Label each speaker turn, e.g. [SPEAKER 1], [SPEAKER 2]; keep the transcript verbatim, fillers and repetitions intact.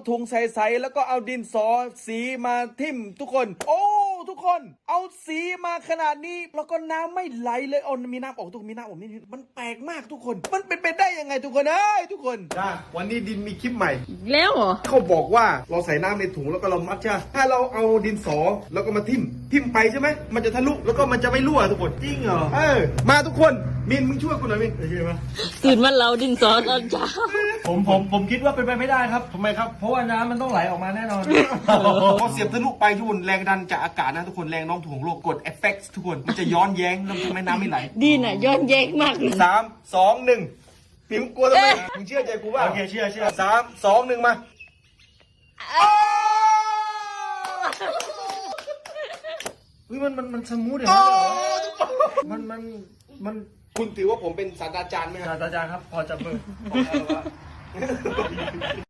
[SPEAKER 1] ถุงใสๆแล้วก็เอาดินสอสีมาทิ่มทุกคนโอ้ทุกคนเอาสีมาขนาดนี้แล้วก็น้ำไม่ไหลเลยเอามีน้ำออกทุกมีน้ำออกนี่มันแปลกมากทุกคนมันเป็นไปได้ยังไงทุกคนเอ้ยทุกคนนะวันนี้ดินมีคลิปใหม่
[SPEAKER 2] แล้วเหรอ
[SPEAKER 1] เขาบอกว่าเราใส่น้ำในถุงแล้วก็เรามัดใช่ไหมถ้าเราเอาดินสอแล้วก็มาทิ่มทิ่มไปใช่ไหมมันจะทะลุแล้วก็มันจะไม่รั่วทุกคนจริงเหรอเออมาทุกคนมินมึงช่วยกูหน่อยมินช่วยไหม
[SPEAKER 2] ตื่นมาเราดินสอตอนเช้า
[SPEAKER 3] ผมผมผมคิดว่าเป็นไปไม่ได้ครับทำไมครับเพราะว่าน้ำมันต้องไหลออกมาแน่นอน
[SPEAKER 1] พอเสียบทะลุไปทุกคนแรงดันจากอากาศนะทุกคนแรงโน้มถ่วงโลกกดเอฟเฟกต์ทุกคนมันจะย้อนแย้งแล้วทำให้น้ำไม่ไหล
[SPEAKER 2] ดีน่ะย้อนแย้งมากเลย
[SPEAKER 1] สามสองหนึ่งพิมพ์กลัวทำไมมึงเชื่อใจกูว่า
[SPEAKER 3] โอเคเชื่อเชื่อ
[SPEAKER 1] สามสองหนึ่งมาเฮ้ยมันมันมันสมูทอย่างนั้นเหรอมันมันมันคุณถือว่าผมเป็นศาสตราจารย์ไหมครับ
[SPEAKER 3] อาจารย์ครับพอจะเบิก